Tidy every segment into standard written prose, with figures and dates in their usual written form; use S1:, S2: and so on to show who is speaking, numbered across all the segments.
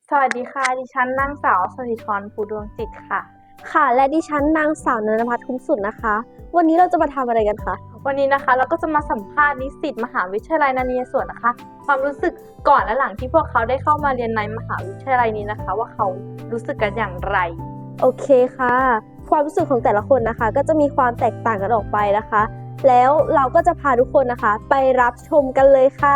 S1: สวัสดีค่ะดิฉันนางสาวสถิธรภูดวงจิตค่ะ
S2: ค่ะและดิฉันนางสาวนนภัทรคุ้มสุดนะคะ วันนี้เราจะมาทำอะไรกันคะ
S1: วันนี้นะคะเราก็จะมาสัมภาษณ์นิสิตมหาวิทยาลัยนเรศวรนะคะความรู้สึกก่อนและหลังที่พวกเขาได้เข้ามาเรียนในมหาวิทยาลัยนี้นะคะว่าเขารู้สึกกันอย่างไร
S2: โอเคค่ะ ความรู้สึกของแต่ละคนนะคะ ก็จะมีความแตกต่างกันออกไปนะคะ แล้วเราก็จะพาทุกคนนะคะ ไปรับชมกันเลยค่ะ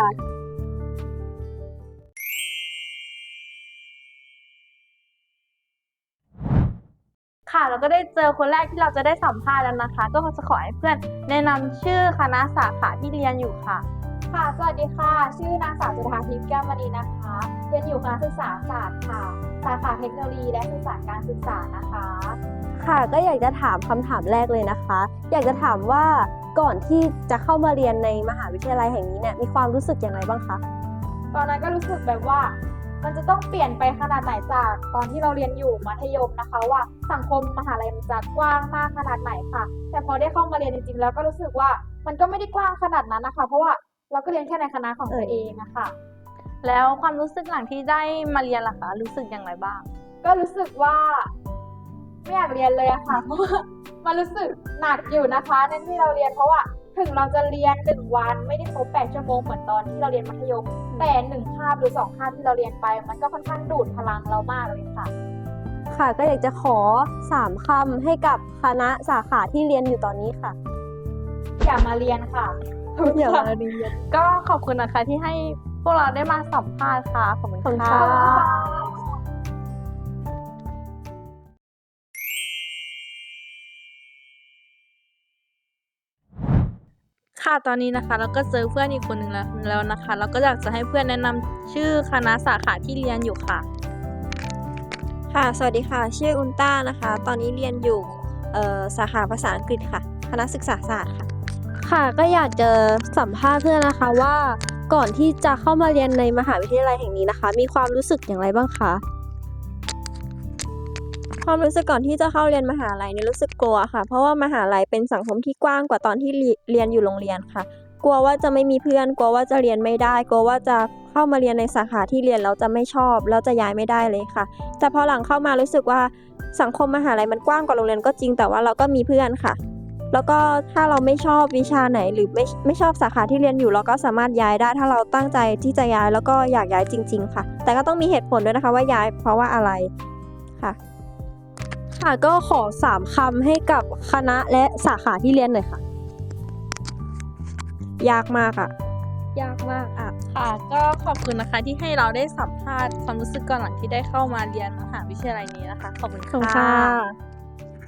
S1: ค่ะเราก็ได้เจอคนแรกที่เราจะได้สัมภาษณ์แล้วนะคะก็จะขอให้เพื่อนแนะนำชื่อคณะสาขาที่เรียนอยู่ค่ะ
S3: ค่ะสวัสดีค่ะ ชื่อนางสาวจุฑาทิพย์แก้วมณีนะคะ เรียนอยู่คณะศึกษาศาสตร์ค่ะ สาขาเทคโนโลยีและสื่อสารการศึกษานะคะ
S2: ค่ะก็อยากจะถามคำถามแรกเลยนะคะ อยากจะถามว่าก่อนที่จะเข้ามาเรียนในมหาวิทยาลัยแห่งนี้เนี่ยมีความรู้สึกอย่างไรบ้างคะ
S3: ตอนนั้นก็รู้สึกแบบว่ามันจะต้องเปลี่ยนไปขนาดไหนจากตอนที่เราเรียนอยู่มัธยมนะคะว่าสังคมมหาลัยมันจะกว้างมากขนาดไหนค่ะ แต่พอได้เข้ามาเรียนจริงๆแล้วก็รู้สึกว่ามันก็ไม่ได้กว้างขนาดนั้นนะคะ เพราะว่าเราก็เรียนแค่ในคณะของตัวเองนะคะ
S1: แล้วความรู้สึกหลังที่ได้มาเรียนล่ะคะรู้สึกอย่างไรบ้าง
S3: ก็รู้สึกว่าไม่อยากเรียนเลยอะค่ะ เพราะว่ามันรู้สึกหนักอยู่นะคะในที่เราเรียนเพราะว่าถึงเราจะเรียน1 วันไม่ได้ครบ8 ชั่วโมงเหมือนตอนที่เราเรียนมัธยมแต่1 คาบหรือ2 คาบที่เราเรียนไปมันก็ค่อนข้างดูดพลังเรามากเลยค่ะ
S2: ค่ะก็อยากจะขอ3คำให้กับคณะสาขาที่เรียนอยู่ตอนนี้ค่ะ
S3: อย่ามาเรียนค่ะ
S2: อย่ามาเรียน
S1: ก็ขอบคุณนะคะที่ให้พวกเราได้มาสัมภาษณ์ค่ะขอบคุณ
S2: ขอบคุณ
S1: ค่ะ
S2: ค่ะ
S1: ค่ะตอนนี้นะคะเราก็เจอเพื่อนอีกคนหนึ่งแล้วนะคะเราก็อยากจะให้เพื่อนแนะนำชื่อคณะสาขาที่เรียนอยู่ค่ะ
S4: ค่ะ สวัสดีค่ะ ชื่ออุนต้านะคะ ตอนนี้เรียนอยู่สาขาภาษาอังกฤษค่ะ คณะศึกษาศาสตร์ค่ะ
S2: ค่ะก็อยากจะสัมภาษณ์เพื่อนนะคะว่าก่อนที่จะเข้ามาเรียนในมหาวิทยาลัยแห่งนี้นะคะ มีความรู้สึกอย่างไรบ้างคะ
S4: ความรู้สึกก่อนที่จะเข้าเรียนมหาลัยเนี่ยรู้สึกกลัวค่ะ เพราะว่ามหาลัยเป็นสังคมที่กว้างกว่าตอนที่เรียนอยู่โรงเรียนค่ะ กลัวว่าจะไม่มีเพื่อน กลัวว่าจะเรียนไม่ได้ กลัวว่าจะเข้ามาเรียนในสาขาที่เรียนแล้วจะไม่ชอบแล้วจะย้ายไม่ได้เลยค่ะ แต่พอหลังเข้ามารู้สึกว่าสังคมมหาลัยมันกว้างกว่าโรงเรียนก็จริง แต่ว่าเราก็มีเพื่อนค่ะ แล้วก็ถ้าเราไม่ชอบวิชาไหนหรือไม่ชอบสาขาที่เรียนอยู่เราก็สามารถย้ายได้ถ้าเราตั้งใจที่จะย้ายแล้วก็อยากย้ายจริง ๆ ค่ะ แต่ก็ต้องมีเหตุผลด้วยนะคะว่าย้ายเพราะว่าอะไรค่ะ
S2: ค่ะก็ขอ3คำให้กับคณะและสาขาที่เรียนหน่อยค่ะ
S4: ยากมากอะ
S2: ยากมากอ่ะ
S1: ค่ะก็ขอบคุณนะคะที่ให้เราได้สัมภาษณ์ความรู้สึกก่อนหลังที่ได้เข้ามาเรียนมหาวิทยาลัยนี้นะคะขอบคุณ
S2: ขอบคุณ
S1: ค่ะ
S2: ค่ะ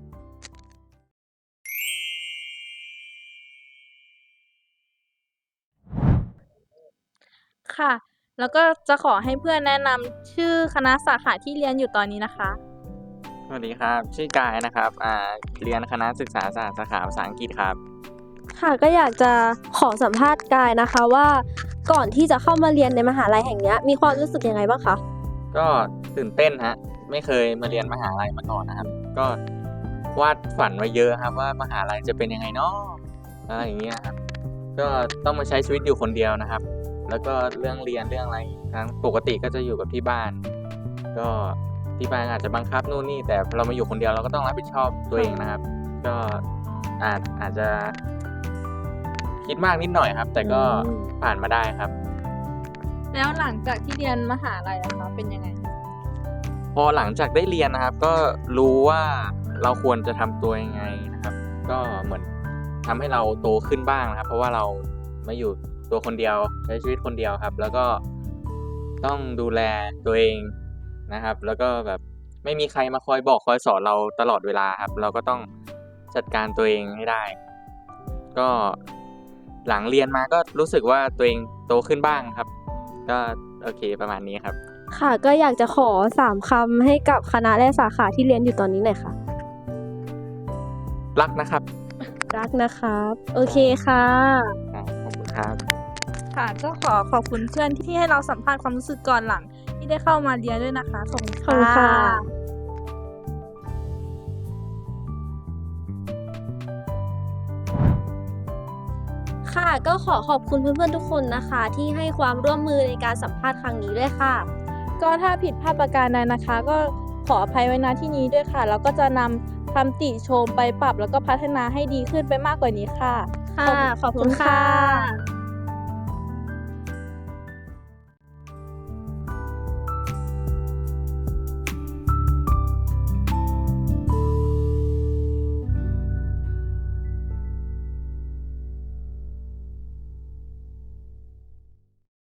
S1: ค่ะ แล้วก็จะขอให้เพื่อนแนะนำชื่อคณะสาขาที่เรียนอยู่ตอนนี้นะคะ
S5: สวัสดีครับ ชื่อกายนะครับเรียนคณะศึกษาศาสตร์สาขาภาษาอังกฤษครับ
S2: ค่ะก็อยากจะขอสัมภาษณ์กายนะคะว่าก่อนที่จะเข้ามาเรียนในมหาลัยแห่งนี้มีความรู้สึกยังไงบ้างคะ
S5: ก็ตื่นเต้นฮะ ไม่เคยมาเรียนมหาลัยมาก่อนนะครับ ก็วาดฝันไว้เยอะครับว่ามหาลัยจะเป็นยังไงเนาะอะไรอย่างเงี้ยครับ ก็ต้องมาใช้ชีวิตอยู่คนเดียวนะครับ แล้วก็เรื่องเรียนเรื่องอะไรทั้งปกติก็จะอยู่กับที่บ้าน ก็ที่บ้านอาจจะบังคับนู่นนี่ แต่เรามาอยู่คนเดียวเราก็ต้องรับผิดชอบตัวเองนะครับ ก็อาจจะคิดมากนิดหน่อยครับ แต่ก็ผ่านมาได้ครับ
S1: แล้วหลังจากที่เรียนมหาลัยนะคะเป็นยังไง
S5: พอหลังจากได้เรียนนะครับ ก็รู้ว่าเราควรจะทำตัวยังไงนะครับ ก็เหมือนทำให้เราโตขึ้นบ้างนะครับ เพราะว่าเรามาอยู่ตัวคนเดียวใช้ชีวิตคนเดียวครับ แล้วก็ต้องดูแลตัวเองนะครับ แล้วก็แบบไม่มีใครมาคอยบอกคอยสอนเราตลอดเวลาครับ เราก็ต้องจัดการตัวเองให้ได้ ก็หลังเรียนมาก็รู้สึกว่าตัวเองโตขึ้นบ้างครับ ก็โอเคประมาณนี้ครับ
S2: ค่ะก็อยากจะขอ3คำให้กับคณะและสาขาที่เรียนอยู่ตอนนี้หน่อยค่ะ
S5: รักนะครับ
S2: รักนะครับ โอเคค่ะ
S5: ขอบคุณครับ
S1: ค่ะก็ขอบคุณเพื่อนที่ให้เราสัมภาษณ์ความรู้สึกก่อนหลังที่ได้เข้ามาเรียนด้วยนะคะขอบคุณ
S2: ขอบคุณค่ะ ค่ะก็ขอบคุณเพื่อนๆทุกคนนะคะ ที่ให้ความร่วมมือในการสัมภาษณ์ครั้งนี้ด้วยค่ะ
S1: ก็ถ้าผิดพลาดประการใดนะคะ ก็ขออภัยไว้ณที่นี้ด้วยค่ะ แล้วก็จะนำคำติชมไปปรับแล้วก็พัฒนาให้ดีขึ้นไปมากกว่านี้ค่ะ
S2: ค่ะ ขอบคุณค่ะ